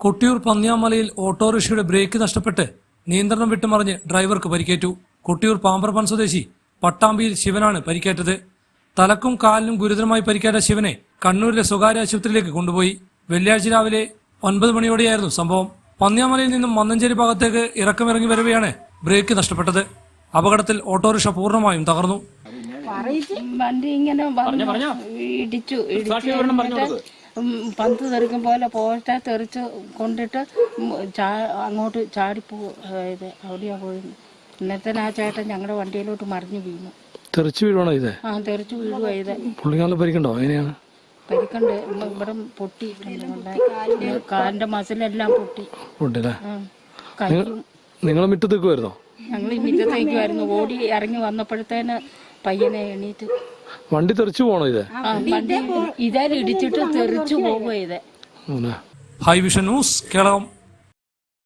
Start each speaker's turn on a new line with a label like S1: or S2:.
S1: Kottiyoor പന്നിയാമലയിൽ ഓട്ടോറിക്ഷയുടെ break നഷ്ടപ്പെട്ട് നിയന്ത്രണം വിട്ടുമറിഞ്ഞ് ഡ്രൈവർക്ക് പരിക്കേറ്റു. കൊട്ടിയൂർ പാമ്പ്രപ്പൻ സ്വദേശി പട്ടാമ്പിയിൽ ശിവനാണ് പരിക്കേറ്റത്. തലക്കും കാലിനും ഗുരുതരമായി പരിക്കേറ്റ ശിവനെ കണ്ണൂരിലെ സ്വകാര്യ ആശുപത്രിയിലേക്ക് കൊണ്ടുപോയി. വെള്ളിയാഴ്ച രാവിലെ 9 മണിയോടെയായിരുന്നു സംഭവം. പന്നിയാമലയിൽ നിന്നും മന്നഞ്ചേരി ഭാഗത്തേക്ക് ഇറക്കമിറങ്ങി വരവെയാണ് ബ്രേക്ക് നഷ്ടപ്പെട്ടത്. അപകടത്തിൽ ഓട്ടോറിക്ഷ പൂർണ്ണമായും തകർന്നു.
S2: വണ്ടി ഇങ്ങനെ ഇടിച്ചു പന്ത് തെറിക്കും പോലെ പോട്ടെ തെറിച്ച് കൊണ്ടിട്ട് അങ്ങോട്ട് ചാടിപ്പോയത് അവിടെയാ പോയി. ഇന്നത്തെ ആ ചേട്ടൻ ഞങ്ങളുടെ വണ്ടിയിലോട്ട് മറിഞ്ഞു വീണു.
S3: തെറിച്ചു വീഴുവാണോ ഇത്?
S2: ആ തെറിച്ചു വീഴുവാ ഇത്.
S3: പുള്ളിക്കാലം പരിക്കണ്ടോ? എങ്ങനെയാണ്
S2: പരിക്കണ്ട്? ഇവിടെ പൊട്ടി, കാലിന്റെ മസിലെല്ലാം പൊട്ടി.
S3: നിങ്ങൾ മുറ്റത്തേക്കുമായിരുന്നോ?
S2: ഞങ്ങൾ മുറ്റത്തേക്കുമായിരുന്നു. ഓടി ഇറങ്ങി വന്നപ്പോഴത്തേന് പയ്യനെ എണീറ്റ്.
S3: വണ്ടി തെറിച്ചു പോണോ ഇത്?
S2: വണ്ടി ഇതായാലും ഇടിച്ചിട്ട് തെറിച്ചു പോകുക ഇത്.
S1: High vision news Keralam.